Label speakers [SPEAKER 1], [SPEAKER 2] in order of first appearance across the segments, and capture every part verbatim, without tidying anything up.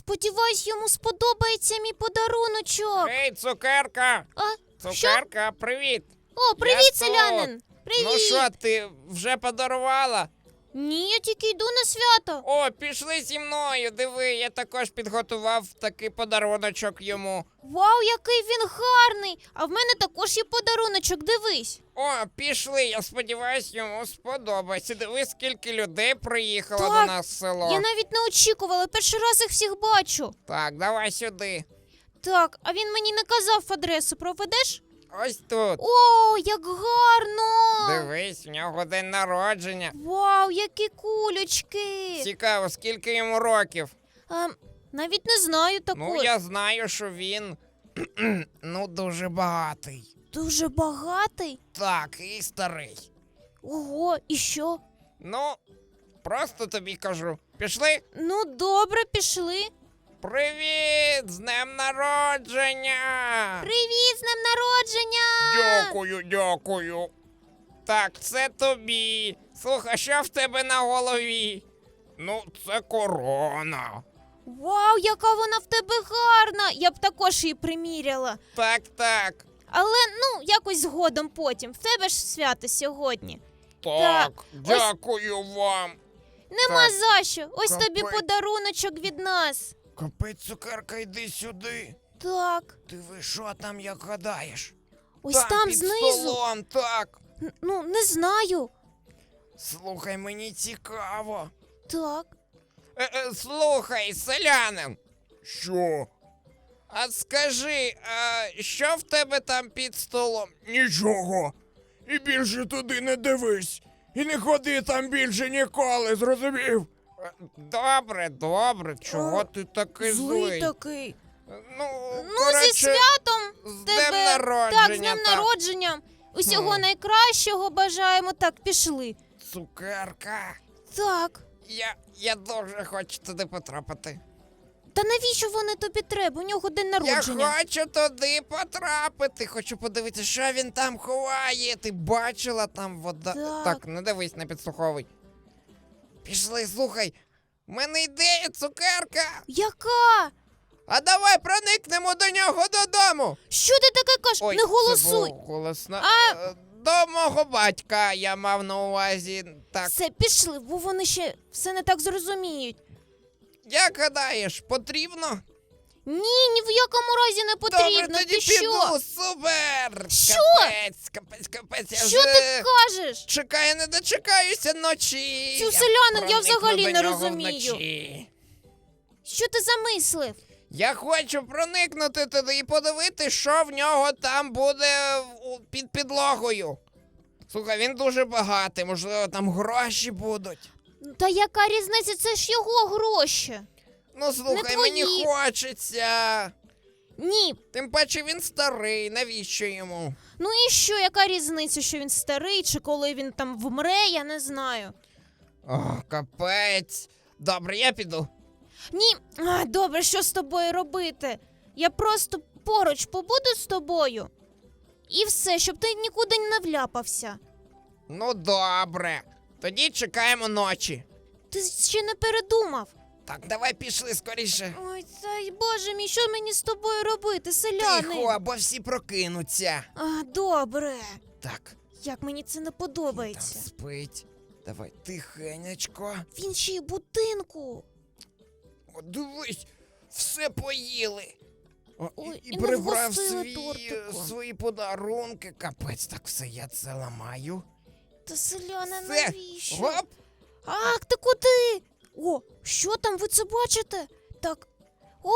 [SPEAKER 1] Сподіваюсь, йому сподобається мій подаруночок.
[SPEAKER 2] Гей, цукерка!
[SPEAKER 1] А, що?
[SPEAKER 2] Цукерка, привіт!
[SPEAKER 1] О, привіт,
[SPEAKER 2] Я тут.
[SPEAKER 1] селянин! Привіт!
[SPEAKER 2] Ну що, ти вже подарувала?
[SPEAKER 1] Ні, я тільки йду на свято.
[SPEAKER 2] О, пішли зі мною, диви, я також підготував такий подаруночок йому.
[SPEAKER 1] Вау, який він гарний! А в мене також є подаруночок, дивись.
[SPEAKER 2] О, пішли, я сподіваюсь, йому сподобається. Диви, скільки людей приїхало
[SPEAKER 1] Так,
[SPEAKER 2] до нас в село.
[SPEAKER 1] Я навіть не очікувала, перший раз їх всіх бачу.
[SPEAKER 2] Так, давай сюди.
[SPEAKER 1] Так, а він мені не казав адресу, проведеш?
[SPEAKER 2] Ось тут.
[SPEAKER 1] О, як гарно!
[SPEAKER 2] Дивись, в нього день народження.
[SPEAKER 1] Вау, які кулечки!
[SPEAKER 2] Цікаво, скільки йому років?
[SPEAKER 1] А, навіть не знаю такої.
[SPEAKER 2] Ну, я знаю, що він, ну, дуже багатий.
[SPEAKER 1] Дуже багатий?
[SPEAKER 2] Так, і старий.
[SPEAKER 1] Ого, і що?
[SPEAKER 2] Ну, просто тобі кажу. Пішли?
[SPEAKER 1] Ну, добре, пішли.
[SPEAKER 2] Привіт! З днем народження!
[SPEAKER 1] Привіт, з днем народження!
[SPEAKER 2] Дякую, дякую. Так, це тобі. Слухай, що в тебе на голові? Ну, це корона.
[SPEAKER 1] Вау, яка вона в тебе гарна! Я б також її приміряла.
[SPEAKER 2] Так, так.
[SPEAKER 1] Але, ну, якось згодом потім. В тебе ж свято сьогодні.
[SPEAKER 2] Так,
[SPEAKER 1] Так,
[SPEAKER 2] дякую вам.
[SPEAKER 1] Нема
[SPEAKER 2] Так,
[SPEAKER 1] за що. Ось тобі
[SPEAKER 2] капець.
[SPEAKER 1] подаруночок від нас.
[SPEAKER 2] Капець, цукерка, йди сюди.
[SPEAKER 1] Так,
[SPEAKER 2] Диви, що там, як гадаєш?
[SPEAKER 1] ось там
[SPEAKER 2] під
[SPEAKER 1] знизу.
[SPEAKER 2] столом, так.
[SPEAKER 1] Н- Ну, не знаю.
[SPEAKER 2] Слухай, мені цікаво.
[SPEAKER 1] Так.
[SPEAKER 2] Е, е, слухай, селянин. Що? А скажи, а що в тебе там під столом? Нічого. І більше туди не дивись. І не ходи там більше ніколи, зрозумів? Добре, добре, чого
[SPEAKER 1] О,
[SPEAKER 2] ти такий
[SPEAKER 1] Злий
[SPEAKER 2] злий?
[SPEAKER 1] такий.
[SPEAKER 2] Ну,
[SPEAKER 1] Ну,
[SPEAKER 2] коротше,
[SPEAKER 1] зі святом
[SPEAKER 2] з
[SPEAKER 1] тебе.
[SPEAKER 2] днем народження.
[SPEAKER 1] Так, з днем
[SPEAKER 2] так.
[SPEAKER 1] народження. Усього
[SPEAKER 2] Хм.
[SPEAKER 1] найкращого бажаємо. Так, пішли.
[SPEAKER 2] Цукерка.
[SPEAKER 1] Так.
[SPEAKER 2] Я, я дуже хочу туди потрапити.
[SPEAKER 1] Та навіщо вони тобі треба? У нього день народження.
[SPEAKER 2] Я хочу туди потрапити. Хочу подивитися, що він там ховає. Ти бачила там вода.
[SPEAKER 1] Так.
[SPEAKER 2] Так, не дивись, не підслуховуй. Пішли, слухай. В мене ідея, цукерка.
[SPEAKER 1] Яка?
[SPEAKER 2] А давай проникнемо до нього додому.
[SPEAKER 1] Що ти таке кажеш?
[SPEAKER 2] Ой,
[SPEAKER 1] Не голосуй.
[SPEAKER 2] Це було голосно.
[SPEAKER 1] А-
[SPEAKER 2] Е, До мого батька я мав на увазі. Так,
[SPEAKER 1] Все, пішли, бо вони ще все не так зрозуміють.
[SPEAKER 2] як гадаєш, потрібно?
[SPEAKER 1] Ні, ні в якому разі не потрібно.
[SPEAKER 2] Добре, тоді
[SPEAKER 1] Ти що?
[SPEAKER 2] піду, супер!
[SPEAKER 1] Що?
[SPEAKER 2] Капець, капець, капець, я
[SPEAKER 1] Що
[SPEAKER 2] вже
[SPEAKER 1] ти кажеш?
[SPEAKER 2] чекаю, не дочекаюся ночі.
[SPEAKER 1] Цю селянин я
[SPEAKER 2] проникну
[SPEAKER 1] взагалі
[SPEAKER 2] до
[SPEAKER 1] не
[SPEAKER 2] нього
[SPEAKER 1] розумію.
[SPEAKER 2] вночі.
[SPEAKER 1] Що ти замислив?
[SPEAKER 2] Я хочу проникнути туди і подивитися, що в нього там буде у- під підлогою. Слухай, він дуже багатий, можливо, там гроші будуть.
[SPEAKER 1] Та яка різниця? Це ж його гроші.
[SPEAKER 2] Ну, слухай, мені
[SPEAKER 1] твої.
[SPEAKER 2] хочеться.
[SPEAKER 1] Ні.
[SPEAKER 2] Тим паче він старий, навіщо йому?
[SPEAKER 1] Ну і що, яка різниця, що він старий, чи коли він там вмре, я не знаю.
[SPEAKER 2] О, капець. Добре, я піду.
[SPEAKER 1] Ні, а, добре, що з тобою робити? Я просто поруч побуду з тобою. І все, щоб ти нікуди не вляпався.
[SPEAKER 2] Ну, добре. Тоді чекаємо ночі.
[SPEAKER 1] Ти ще не передумав.
[SPEAKER 2] Так, давай пішли скоріше.
[SPEAKER 1] Ой, цей боже мій, що мені з тобою робити, селяни?
[SPEAKER 2] Тихо, або всі прокинуться.
[SPEAKER 1] А, добре.
[SPEAKER 2] Так,
[SPEAKER 1] Як мені це не
[SPEAKER 2] він там
[SPEAKER 1] подобається.
[SPEAKER 2] спить. Давай, тихенечко.
[SPEAKER 1] Він ще й в будинку.
[SPEAKER 2] О, дивись, все поїли. О,
[SPEAKER 1] Ой,
[SPEAKER 2] і,
[SPEAKER 1] і
[SPEAKER 2] і
[SPEAKER 1] не
[SPEAKER 2] прибрав
[SPEAKER 1] вгостили
[SPEAKER 2] свій,
[SPEAKER 1] тортиком.
[SPEAKER 2] свої подарунки. Капець, так все, я це ламаю.
[SPEAKER 1] Та селяни,
[SPEAKER 2] Все.
[SPEAKER 1] навіщо?
[SPEAKER 2] Гоп,
[SPEAKER 1] Ах, ти куди? О, що там, ви це бачите? Так. О,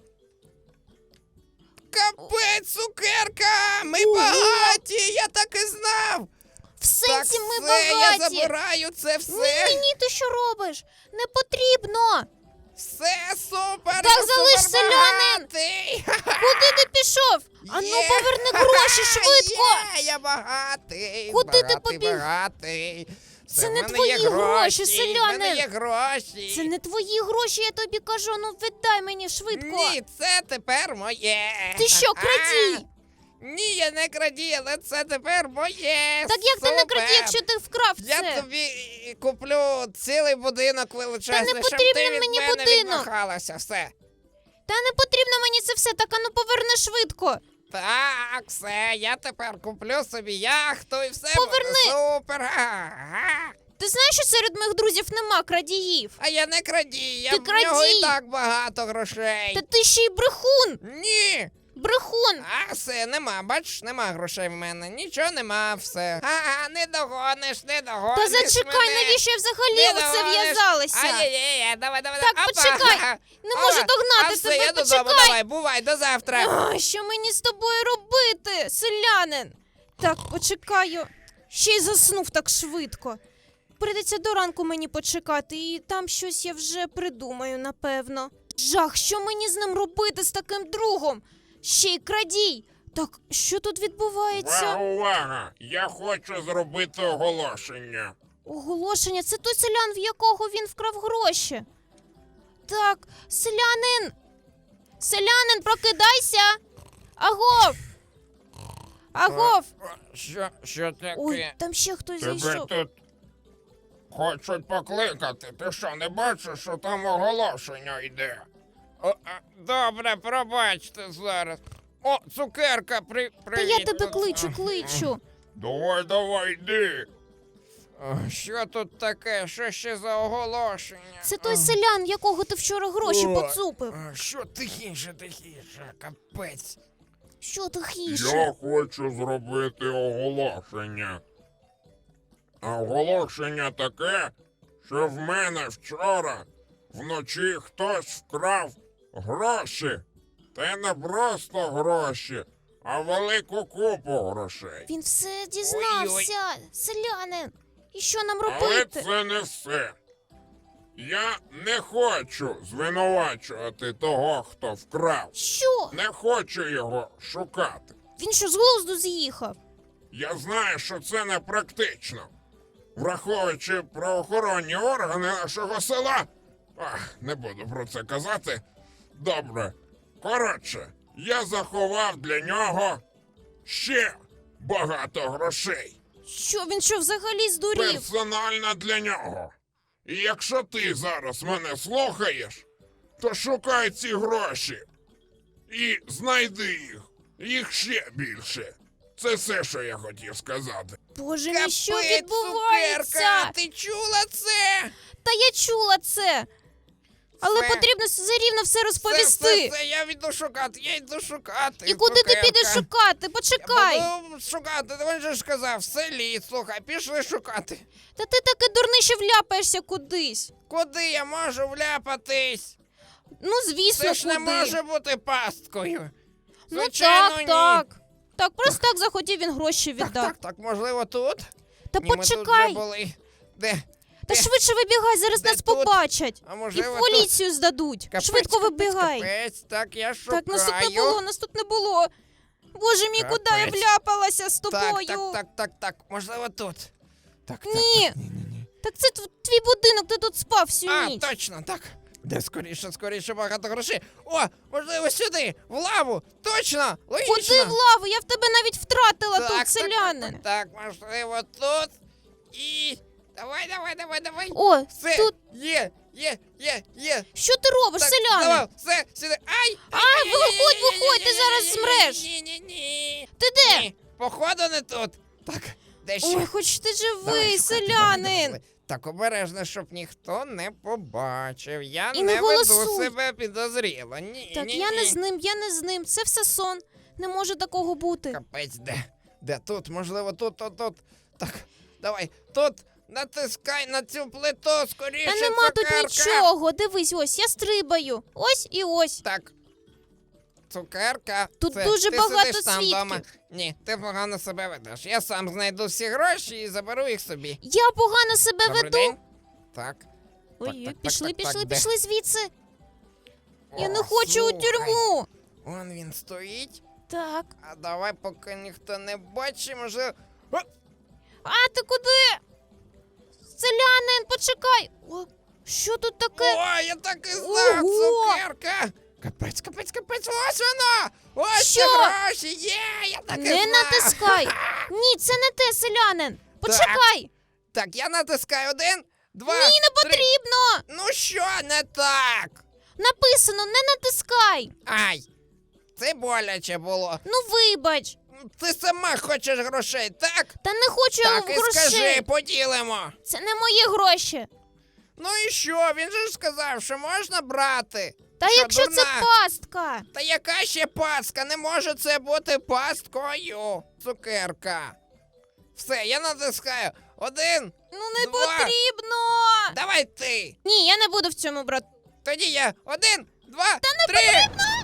[SPEAKER 2] капець, цукерка! Ми
[SPEAKER 1] Ого!
[SPEAKER 2] багаті, я так і знав!
[SPEAKER 1] в сенсі
[SPEAKER 2] так,
[SPEAKER 1] ми
[SPEAKER 2] все, я
[SPEAKER 1] багаті.
[SPEAKER 2] забираю це все.
[SPEAKER 1] Ні, ні, ні, ти що робиш? Не потрібно.
[SPEAKER 2] Все супер!
[SPEAKER 1] Так,
[SPEAKER 2] я
[SPEAKER 1] залиш,
[SPEAKER 2] супер
[SPEAKER 1] селянин!
[SPEAKER 2] багатий!
[SPEAKER 1] Куди ти пішов? Ану,
[SPEAKER 2] Є!
[SPEAKER 1] поверни гроші швидко.
[SPEAKER 2] Є, я багатий!
[SPEAKER 1] Куди ти
[SPEAKER 2] багатий,
[SPEAKER 1] побіг?
[SPEAKER 2] багатий.
[SPEAKER 1] Це
[SPEAKER 2] Все, в
[SPEAKER 1] не
[SPEAKER 2] мене
[SPEAKER 1] твої
[SPEAKER 2] є
[SPEAKER 1] гроші,
[SPEAKER 2] В
[SPEAKER 1] селянин.
[SPEAKER 2] мене є гроші!
[SPEAKER 1] Це не твої гроші, я тобі кажу, ну віддай мені швидко.
[SPEAKER 2] Ні, це тепер моє!
[SPEAKER 1] Ти що, крадій?
[SPEAKER 2] Ні, я не крадій, але це тепер моє!
[SPEAKER 1] Так як ти не
[SPEAKER 2] Супер!
[SPEAKER 1] крадій, якщо ти вкрав
[SPEAKER 2] Я
[SPEAKER 1] це?
[SPEAKER 2] тобі куплю цілий будинок величезний, щоб
[SPEAKER 1] потрібен
[SPEAKER 2] ти від
[SPEAKER 1] мені
[SPEAKER 2] мене
[SPEAKER 1] будинок.
[SPEAKER 2] відмахалася, все.
[SPEAKER 1] Та не потрібно мені це все, так ану поверни швидко.
[SPEAKER 2] Так, все, я тепер куплю собі яхту і все
[SPEAKER 1] Поверни.
[SPEAKER 2] буде супер. Ага.
[SPEAKER 1] Ти знаєш, що серед моїх друзів нема крадіїв?
[SPEAKER 2] А я не крадій, я
[SPEAKER 1] Ти
[SPEAKER 2] в нього
[SPEAKER 1] крадій.
[SPEAKER 2] і так багато грошей.
[SPEAKER 1] Та ти ще й брехун!
[SPEAKER 2] Ні.
[SPEAKER 1] Брехун!
[SPEAKER 2] А все, нема, бачиш, нема грошей в мене. Нічого нема, все. Ага, не догониш, не догониш.
[SPEAKER 1] Та зачекай,
[SPEAKER 2] мене.
[SPEAKER 1] навіщо я взагалі
[SPEAKER 2] Не
[SPEAKER 1] в це
[SPEAKER 2] догониш.
[SPEAKER 1] в'язалася?
[SPEAKER 2] Ай-яй-яй, давай, давай,
[SPEAKER 1] Так,
[SPEAKER 2] давай.
[SPEAKER 1] почекай.
[SPEAKER 2] Опа.
[SPEAKER 1] Не можу
[SPEAKER 2] Опа.
[SPEAKER 1] догнати
[SPEAKER 2] а все,
[SPEAKER 1] тебе,
[SPEAKER 2] я додому,
[SPEAKER 1] почекай.
[SPEAKER 2] давай, бувай, до завтра.
[SPEAKER 1] А, що мені з тобою робити, селянин? Так, почекаю. Ще й заснув так швидко. Прийдеться до ранку мені почекати, і там щось я вже придумаю, напевно. Жах, що мені з ним робити, з таким другом? Ще й крадій. Так, що тут відбувається?
[SPEAKER 3] Увага, увага! Я хочу зробити оголошення.
[SPEAKER 1] Оголошення, це той селян, в якого він вкрав гроші. Так, селянин! Селянин, прокидайся! Агов! Агов!
[SPEAKER 2] Що, що таке?
[SPEAKER 1] Ой, там ще хтось
[SPEAKER 3] Тебе
[SPEAKER 1] зайшов.
[SPEAKER 3] тут хочуть покликати. Ти що, не бачиш, що там оголошення йде?
[SPEAKER 2] О, а, добре, пробачте зараз. О, цукерка, при,
[SPEAKER 1] Та
[SPEAKER 2] привіт.
[SPEAKER 1] я тебе
[SPEAKER 2] тут.
[SPEAKER 1] кличу, кличу.
[SPEAKER 3] Давай, давай, йди.
[SPEAKER 2] О, що тут таке? Що ще за оголошення?
[SPEAKER 1] Це той селян, в якого ти вчора гроші
[SPEAKER 2] О,
[SPEAKER 1] поцупив.
[SPEAKER 2] а, Що тихіше, тихіше, капець.
[SPEAKER 1] Що тихіше?
[SPEAKER 3] Я хочу зробити оголошення. А оголошення таке, що в мене вчора вночі хтось вкрав гроші. Та й не просто гроші, а велику купу грошей.
[SPEAKER 1] Він все дізнався, селянин. І що нам
[SPEAKER 3] Але
[SPEAKER 1] робити?
[SPEAKER 3] це не все. Я не хочу звинувачувати того, хто вкрав.
[SPEAKER 1] Що?
[SPEAKER 3] Не хочу його шукати.
[SPEAKER 1] Він що, з глузду з'їхав?
[SPEAKER 3] Я знаю, що це непрактично. Враховуючи правоохоронні органи нашого села. Ах, не буду про це казати. Добре. Коротше, я заховав для нього ще багато грошей.
[SPEAKER 1] Що, він що, взагалі здурів?
[SPEAKER 3] Персонально для нього. І якщо ти зараз мене слухаєш, то шукай ці гроші. І знайди їх. Їх ще більше. Це все, що я хотів сказати.
[SPEAKER 1] Боже мій, що
[SPEAKER 2] Капець,
[SPEAKER 1] відбувається?
[SPEAKER 2] цукерка, ти чула це?
[SPEAKER 1] Та я чула це. Але
[SPEAKER 2] Все.
[SPEAKER 1] потрібно зарівно все
[SPEAKER 2] Все,
[SPEAKER 1] розповісти.
[SPEAKER 2] все, все, я йду шукати, я йду шукати.
[SPEAKER 1] І куди ти
[SPEAKER 2] цукерка.
[SPEAKER 1] підеш шукати? Почекай.
[SPEAKER 2] Я буду шукати, ти же ж сказав, в селі, слухай, пішли шукати.
[SPEAKER 1] Та ти таки дурний, що вляпаєшся кудись.
[SPEAKER 2] Куди я можу вляпатись?
[SPEAKER 1] Ну, звісно,
[SPEAKER 2] Це ж
[SPEAKER 1] куди.
[SPEAKER 2] не може бути пасткою.
[SPEAKER 1] Ну
[SPEAKER 2] Звичайно,
[SPEAKER 1] так,
[SPEAKER 2] ні.
[SPEAKER 1] так. Так, просто так захотів він гроші
[SPEAKER 2] Так,
[SPEAKER 1] віддав.
[SPEAKER 2] так, так, можливо, тут?
[SPEAKER 1] Та
[SPEAKER 2] Ні, ми тут
[SPEAKER 1] почекай.
[SPEAKER 2] вже були. Де?
[SPEAKER 1] Та
[SPEAKER 2] де?
[SPEAKER 1] швидше вибігай, зараз
[SPEAKER 2] Де
[SPEAKER 1] нас
[SPEAKER 2] тут?
[SPEAKER 1] побачать.
[SPEAKER 2] А
[SPEAKER 1] І
[SPEAKER 2] можливо,
[SPEAKER 1] в поліцію здадуть.
[SPEAKER 2] Капець,
[SPEAKER 1] Швидко
[SPEAKER 2] капець,
[SPEAKER 1] вибігай.
[SPEAKER 2] Капець, так, я шукаю.
[SPEAKER 1] Так, нас тут не було, нас тут не було. Боже мій, куди я
[SPEAKER 2] Капець.
[SPEAKER 1] вляпалася з
[SPEAKER 2] Так,
[SPEAKER 1] тобою?
[SPEAKER 2] так, так, так, так, можливо, тут. Так, так,
[SPEAKER 1] Ні.
[SPEAKER 2] так, ні, ні, ні.
[SPEAKER 1] Так це тв- твій будинок, ти тут спав всю
[SPEAKER 2] А,
[SPEAKER 1] ніч.
[SPEAKER 2] точно, так. Де скоріше, скоріше, багато грошей. О, можливо, сюди, в лаву. Точно, логічно.
[SPEAKER 1] Куди в лаву? Я в тебе навіть втратила
[SPEAKER 2] так,
[SPEAKER 1] тут,
[SPEAKER 2] так,
[SPEAKER 1] селянин.
[SPEAKER 2] Так, так, так, можливо, тут. І... Давай, давай, давай, давай.
[SPEAKER 1] О,
[SPEAKER 2] Все,
[SPEAKER 1] тут.
[SPEAKER 2] є, є, є, є.
[SPEAKER 1] Що ти робиш,
[SPEAKER 2] Так,
[SPEAKER 1] селянин?
[SPEAKER 2] давай, все, сюди. Ай!
[SPEAKER 1] А, виходь, виходь, ти зараз змреш.
[SPEAKER 2] Ні, ні, ні.
[SPEAKER 1] Ти де?
[SPEAKER 2] Ні, походу не тут. Так, де ще?
[SPEAKER 1] Ой, хоч ти
[SPEAKER 2] Давай
[SPEAKER 1] живий,
[SPEAKER 2] шукати, давай, давай,
[SPEAKER 1] селянин.
[SPEAKER 2] давай. Так, обережно, щоб ніхто не побачив. Я
[SPEAKER 1] І
[SPEAKER 2] не
[SPEAKER 1] не
[SPEAKER 2] веду
[SPEAKER 1] голосуй.
[SPEAKER 2] себе підозріло. Ні,
[SPEAKER 1] Так,
[SPEAKER 2] ні,
[SPEAKER 1] я
[SPEAKER 2] ні.
[SPEAKER 1] не з ним, я не з ним. Це все сон. Не може такого бути.
[SPEAKER 2] Капець, де? Де тут? Можливо, тут, тут, тут. Так, давай, тут натискай на цю плиту, скоріше,
[SPEAKER 1] Та нема тут
[SPEAKER 2] цукерка.
[SPEAKER 1] нічого. Дивись, ось я стрибаю. Ось і ось.
[SPEAKER 2] Так. Цукерка.
[SPEAKER 1] Тут
[SPEAKER 2] це,
[SPEAKER 1] дуже
[SPEAKER 2] ти
[SPEAKER 1] багато
[SPEAKER 2] сидиш там
[SPEAKER 1] свідків.
[SPEAKER 2] вдома. Ні, ти погано себе ведеш. Я сам знайду всі гроші і заберу їх собі.
[SPEAKER 1] Я погано себе
[SPEAKER 2] Добрий
[SPEAKER 1] веду.
[SPEAKER 2] день. Так.
[SPEAKER 1] Ой,
[SPEAKER 2] так, так,
[SPEAKER 1] пішли,
[SPEAKER 2] так,
[SPEAKER 1] пішли,
[SPEAKER 2] так, де?
[SPEAKER 1] пішли звідси. Я
[SPEAKER 2] О,
[SPEAKER 1] не хочу у
[SPEAKER 2] слухай,
[SPEAKER 1] тюрму.
[SPEAKER 2] Вон він стоїть.
[SPEAKER 1] Так.
[SPEAKER 2] А давай, поки ніхто не бачить, може. О,
[SPEAKER 1] А ти куди? Селянин, почекай. О, що тут таке?
[SPEAKER 2] О, я так і знав,
[SPEAKER 1] Ого!
[SPEAKER 2] цукерка! Капець, капець, капець, ось воно! Ось ці
[SPEAKER 1] Що?
[SPEAKER 2] гроші, є, я так і
[SPEAKER 1] Не
[SPEAKER 2] знав!
[SPEAKER 1] натискай. Ні, це не те, селянин. Почекай.
[SPEAKER 2] Так, я натискаю один, два,
[SPEAKER 1] Ні, не
[SPEAKER 2] три.
[SPEAKER 1] потрібно.
[SPEAKER 2] Ну що не так?
[SPEAKER 1] Написано, не натискай.
[SPEAKER 2] Ай! Це боляче було.
[SPEAKER 1] Ну вибач.
[SPEAKER 2] Ти сама хочеш грошей, так?
[SPEAKER 1] Та не хочу
[SPEAKER 2] Так
[SPEAKER 1] я
[SPEAKER 2] і
[SPEAKER 1] грошей.
[SPEAKER 2] скажи, поділимо.
[SPEAKER 1] Це не мої гроші.
[SPEAKER 2] Ну і що? Він же ж сказав, що можна брати.
[SPEAKER 1] Та
[SPEAKER 2] Що,
[SPEAKER 1] якщо
[SPEAKER 2] дурна?
[SPEAKER 1] це пастка.
[SPEAKER 2] Та яка ще пастка? Не може це бути пасткою. Цукерка. Все, я натискаю. Один.
[SPEAKER 1] Ну не
[SPEAKER 2] Два.
[SPEAKER 1] потрібно.
[SPEAKER 2] Давай ти.
[SPEAKER 1] Ні, я не буду в цьому брати.
[SPEAKER 2] Тоді я. Один, два, три.